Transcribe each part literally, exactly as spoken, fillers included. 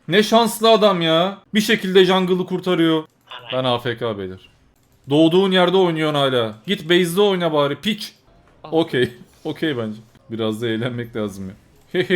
Ne şanslı adam ya. Bir şekilde jungle'ı kurtarıyor. Ben A F K beyler. Doğduğun yerde oynuyorsun hala. Git base'de oyna bari piç. Okey. Okey bence. Biraz da eğlenmek lazım ya.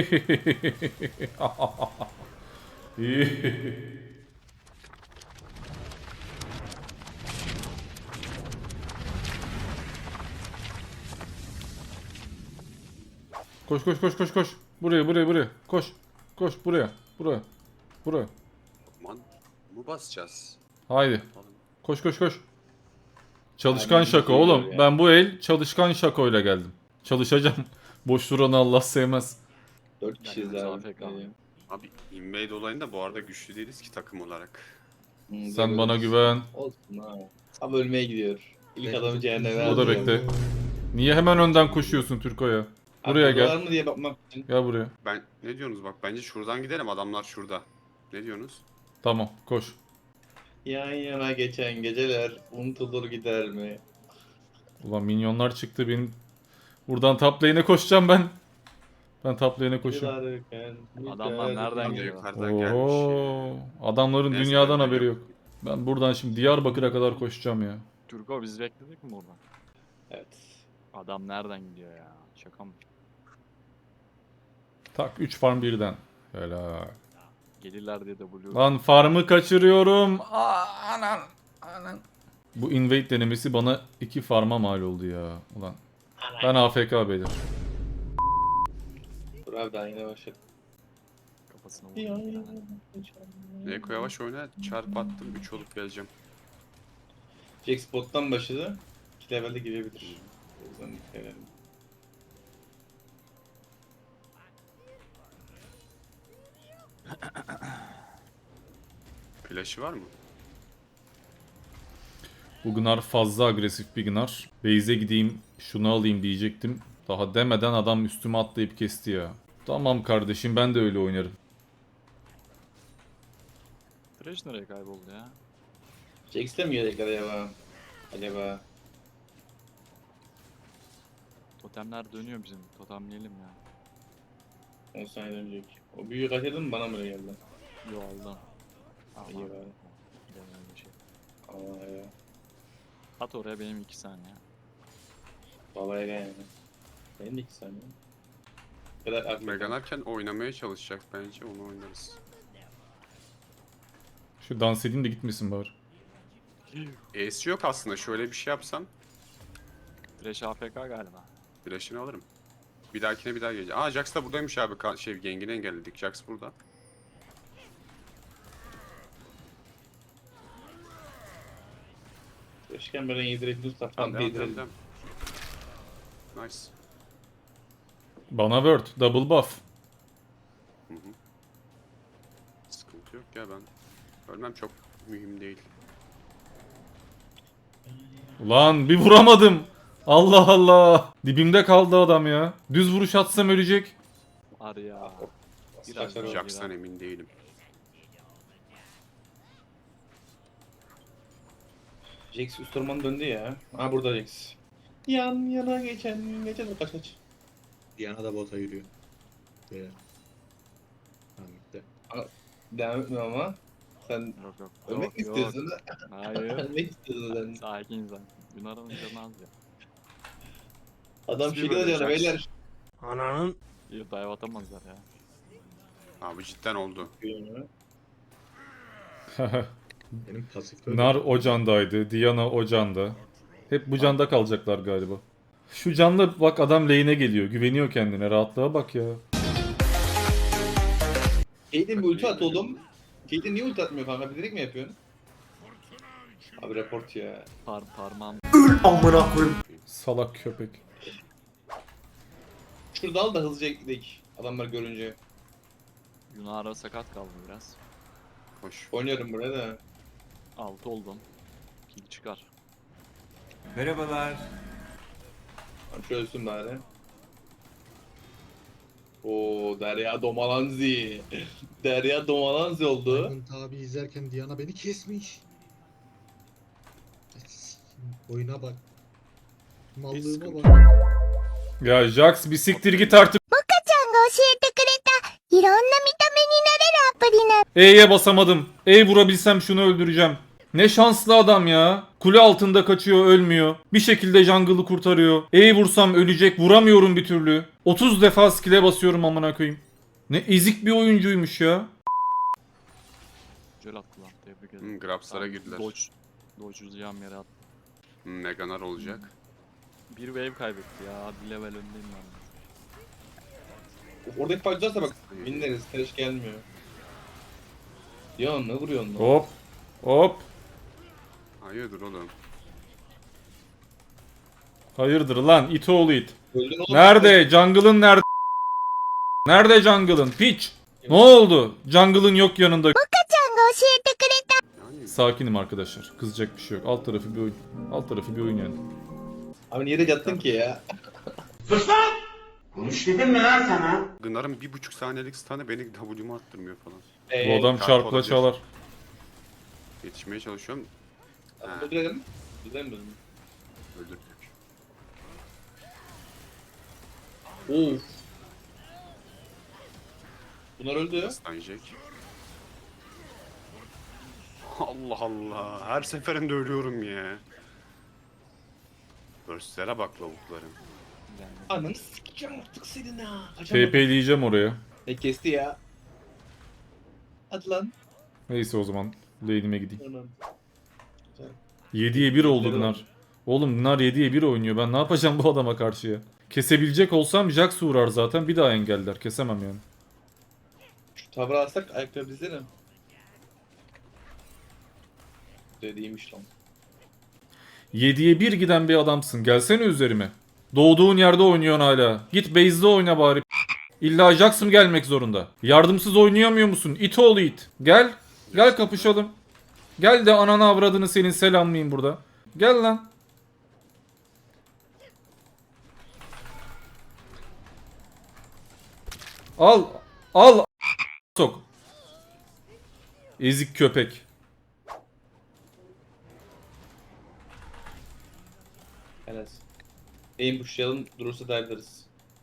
Koş koş koş koş koş. Buraya buraya buraya. Koş. Koş buraya. Buraya. Buraya. Aman mı basacağız? Haydi. Koş koş koş. Çalışkan Aynen, şaka geliyor oğlum. ya. Ben bu el çalışkan şakoyla geldim. Çalışacağım. Boş duranı Allah sevmez. Dört kişiyiz Ben abi. A F K. Abi invade olayında bu arada güçlü değiliz ki takım olarak. Hı, Sen bana görürüz. güven. Olsun ha. Tam ölmeye gidiyor. İlk adamı cehenneme O da atıyor. bekle. Niye hemen önden koşuyorsun Türko'ya? Buraya Abi, var gel. mı diye bakmak için. Gel buraya. Ben ne diyorsunuz bak bence şuradan gidelim adamlar şurada. Ne diyorsunuz? Tamam koş. Yan yana geçen geceler unutulur gider mi? Ulan minyonlar çıktı benim. Buradan top lane'e koşacağım ben. Ben top lane'e koşuyorum. Yılarken, Adamlar nereden Adam da geliyor? yukarıdan gelmiş Oho. ya. Adamların Neyse, dünyadan ben haberi yok. yok. Ben buradan şimdi Diyarbakır'a kadar koşacağım ya. Türko biz bekledik mi buradan? Evet. Adam nereden gidiyor ya? Şaka mı? Tak üç farm birden. Helal. Gelirler diye de blue. Lan farmı kaçırıyorum. Aa, anan. Anan. Bu invade denemesi bana iki farma mal oldu ya. Ulan. Ben A F K beyler. Dur abi daha yine başladı. Kafasına Yan vurdu. yana geçen- Eko yavaş oyna çarp attım üç olup geleceğim. Jack spot'tan başladı. İki levelde girebilir. O yüzden dikkat edelim. Flash'ı var mı? Bu Gnar fazla agresif bir Gnar. Base'e gideyim şunu alayım diyecektim. Daha demeden adam üstüme atlayıp kesti ya. Tamam kardeşim ben de öyle oynarım. Thresh nereye kayboldu ya? Jack istemiyor tekrar acaba. Acaba. Totemler dönüyor bizim. Totemleyelim ya. on saniye dönecek. O büyüğü kaçırdın mı bana mı öyle geldi? Yo aldım. Aman. İyi bari. Gidelim bir şey. Ama ya. At oraya benim iki saniye. Babaya gel yani. Benim de iki saniye. Bu kadar aklı. Meganarken oynamaya çalışacak bence onu oynarız. Şu dans edeyim de gitmesin bari. E'si yok aslında şöyle bir şey yapsam Thresh A F K galiba. flash'ını alırım. Bir dahakine bir daha geleceğim. Aa Jax da buradaymış abi. Ka- Şey gengini engelledik. Jax burada. Keşke böyle yedirek düz Tamam taraftan devam yedirelim. devam devam. Nice. Bana word. Double buff. Hı hı. Sıkıntı yok ya ben. Ölmem çok mühim değil. Ulan bir vuramadım. Allah Allah. Dibimde kaldı adam ya. Düz vuruş atsam ölecek. Var ya. Biraz Biraz daha- daha- Jax'tan emin değilim. Jax üst orman döndü ya. Aa burada Jax. Yan yana geçen geçen kaç kaç. Diana da bota yürüyor. Böyle. Tamam gitti. Devam etme ama. Sen Yok yok. ölmek mi yok, istiyorsun? Hayır. Ölmek istiyorsun sen. Sakin sen. Yunar'ın canı az ya. Adam Nasıl şey bir diyor böyle yani Jax? beyler. İyi dive atamazlar ya. Abi cidden oldu. Benim pasif Nar o candaydı. Diana o canda. Hep bu canda kalacaklar galiba. Şu canla bak adam lane'e geliyor. Güveniyor kendine. Rahatlığa bak ya. Kate'in bir ulti at oğlum. Kate'in niye ulti atmıyor kanka? Bilerek mi yapıyorsun? Abi report ya. Par parmağım. Salak köpek. Şurada al da hızlıca gidelim. Adamlar görünce. Yunar'a sakat kaldı biraz. Hoş. Oynuyorum buraya da. Altı oldum. Kill çıkar. Abi şöyle ölsün bari. Oo Derya Domalanzi. Derya Domalanzi oldu. Diamond abi izlerken Diana beni kesmiş. Oyuna bak. Mallığıma bak. Ya Jax bir siktir git artık. ちゃんが教えてくれたいろんな見た目になれるアプリな E'ye basamadım. E vurabilsem şunu öldüreceğim. Ne şanslı adam ya. Kule altında kaçıyor, ölmüyor. Bir şekilde jungle'ı kurtarıyor. E vursam ölecek, vuramıyorum bir türlü. otuz defa skill'e basıyorum amına koyayım. Ne ezik bir oyuncuymuş ya. Güzel attı lan. Tebrik ederim. Hmm, Grabs'lara Tamam, girdiler. Dodge. Dodge uzayacağım yere attı. Hmm, Meganar olacak. Bir wave kaybetti ya. Bir level öndeyim ben. Oradaki fightlarsa bak winleriz. Tereş gelmiyor. Ya ne vuruyorsun lan? Hop. Hop. Hayırdır oğlum? Hayırdır lan it oğlu it. Öldün oğlum. Nerede? Jungle'ın nerede? Nerede jungle'ın? Piç. Ne oldu? Jungle'ın yok yanında. Yani Sakinim arkadaşlar. Kızacak bir şey yok. Alt tarafı bir oyun. Alt tarafı bir oyun yani. Abi niye de yattın ki ya? Gınar'ın bir buçuk saniyelik stun'ı beni W'mu attırmıyor falan. Bu Eee. adam kart çarpla olabilir. çalar. Yetişmeye çalışıyorum. Ha, Öldürelim. Öldürelim mi? öldürdük. Of. Bunlar öldü. Stun Jack. Allah Allah. Her seferinde ölüyorum ya. Burst'lere bak lavukların. Yani Ananı sikeceğim artık senin ha. TP'leyeceğim oraya. Ne kesti ya? Hadi lan. Neyse o zaman. Lane'ime gideyim. Anam. Güzel. yediye bir oldu Güzel Gnar. oldu. Oğlum Gnar yediye bir oynuyor. Ben ne yapacağım bu adama karşıya? Kesebilecek olsam Jax uğrar zaten. Bir daha engeller. Kesemem yani. Şu tavra alsak ayakları bizlerim. Dediğiymiş lan. yediye bir giden bir adamsın. Gelsene üzerime. Doğduğun yerde oynuyorsun hala. Git base'de oyna bari. İlla Jax mı gelmek zorunda? Yardımsız oynayamıyor musun? İt oğlu it. Gel. Gel kapışalım. Gel de ananı avradını senin selamlayayım burada. Gel lan. Al. Al. Sok. Ezik köpek. Evet. Aim pushlayalım durursa dive'larız.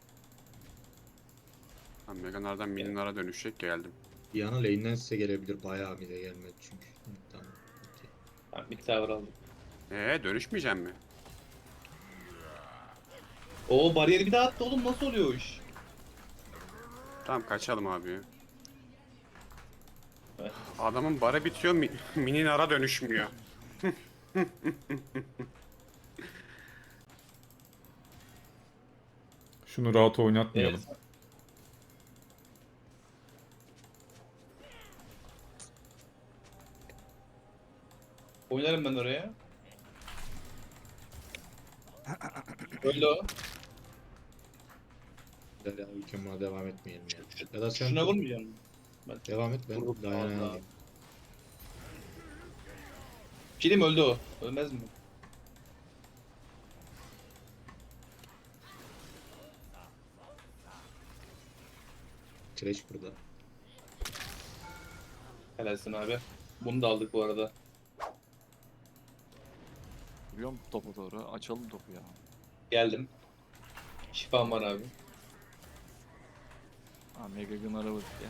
Ben Meganar'dan Mininar'a dönüşecek geldim. Diana lane'den size gelebilir. Bayağı mide gelmedi çünkü. Hı, tamam. okey. Ben bir tavır aldım. Eee dönüşmeyeceğim mi? Oo bariyeri bir daha attı oğlum, nasıl oluyor o iş? Tamam kaçalım abi. Evet. Adamın bara bitiyor, mi Mininar'a dönüşmüyor. Şunu rahat oynatmayalım. Evet. Oynarım ben oraya. Öyle o. Güzel ya, ülkeme devam etmeyelim ya. Ya da sen Şuna vurmayacağım. devam et, ben Vurup Diana'ya Allah. alayım. Film öldü o. Ölmez mi? Trash burada. Helalsin abi. Bunu da aldık bu arada. vuruyor mu topa doğru? Açalım topu ya. Geldim. Şifam var abi. Ha Mega Gunner'a vurdu ya.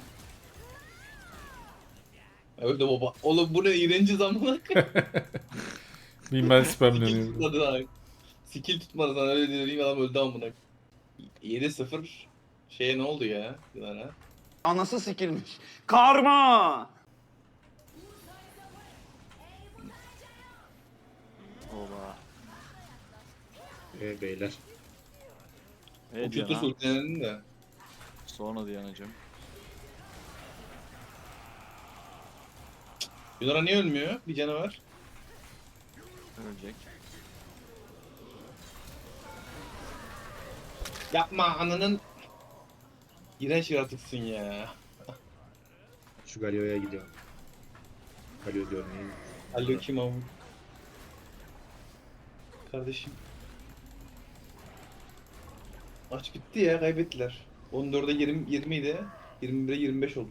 Öldü baba. Oğlum bu ne iğrenci zamanı. Bilmem Skill spamleniyor. tutmadı abi. Skill tutmadı sana öyle dediğim adam öldü amına. yedi sıfır. Şeye ne oldu ya? Yılana. Anası sikilmiş. Karma! Oba. Ee beyler. Hey O kötü Diana. sultanın de. Sonra Diana'cım. Yunara niye ölmüyor? Bir canı var. Ölecek. Yapma ananın. İğrenç yaratıksın ya. Şu Galio'ya gidiyorum. Galio diyorum neyim? Alo kim ama? Kardeşim. Maç bitti ya, kaybettiler. on dörde yirmi, yirmi idi. yirmi bire yirmi beş oldu.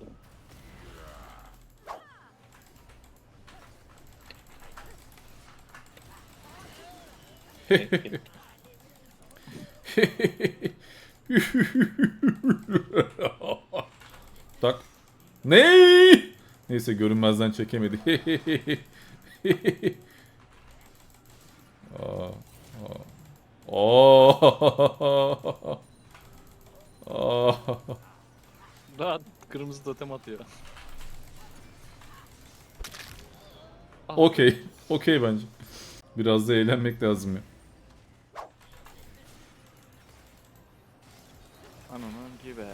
Tak. Ne? Neyse görünmezden çekemedi. Aa, aa. Aa. Aa. Daha kırmızı totem atıyor. Ah, Okey. Okey bence. Biraz da eğlenmek lazım ya. Ananın gibi.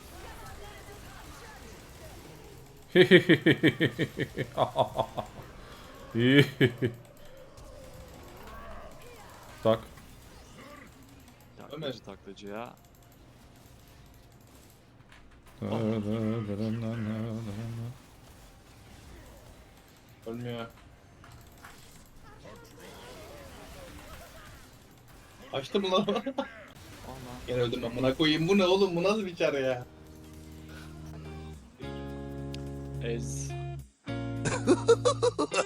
Tak. Taklacı taklacı ya. Ölmüyor. Açtım lan. Ana. Gene öldüm amına koyayım. Bu ne oğlum? Bu nasıl bir çare ya? Ez.